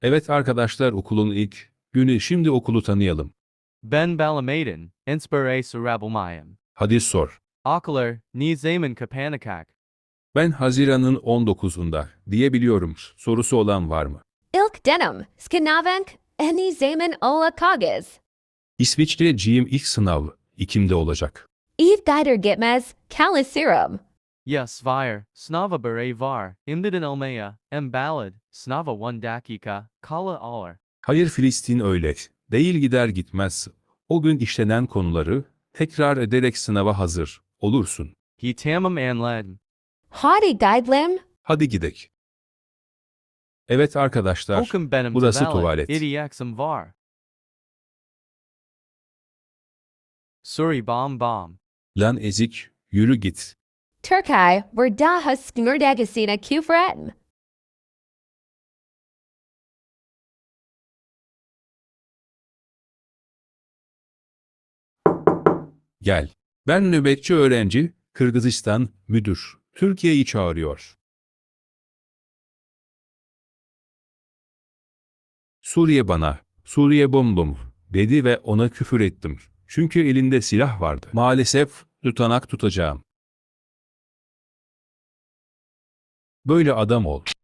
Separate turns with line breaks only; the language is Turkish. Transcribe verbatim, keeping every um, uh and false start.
Evet arkadaşlar, okulun ilk günü, şimdi okulu tanıyalım.
Ben Balamaiden, Inspire Sarabulmayam.
Hadi sor.
Ocular, ni Zaman Kapanakak.
Ben Haziran'ın on dokuzunda diyebiliyorum. Sorusu olan var mı?
Ilk denim, skanavank, eni zaman ola kagaz.
İsviçreciyim, ilk sınav Ekim'de olacak.
Eve guider gitmez, kalisirum.
Yes, Vire, Snava Bere Var, Imdidin Elmea, M Ballad, Snava one Dakika, Kala Alar.
Hayır, Filistin öyle değil, gider gitmez. O gün işlenen konuları tekrar ederek sınava hazır olursun.
He Tamam Anled.
Hadi guidelem,
Hadi gidek. Evet arkadaşlar,
Hokum Benim
burası
Tavalt,
tuvalet.
Idiaxum Var. Suri Bom Bom.
Lan ezik, yürü git.
Turkai, verdaha sknurdagasina kufretm.
Gel. Ben nöbetçi öğrenci, Kırgızistan müdür. Türkiye'yi çağırıyor. Suriye bana, Suriye bom bom dedi ve ona küfür ettim. Çünkü elinde silah vardı. Maalesef tutanak tutacağım. Böyle adam ol.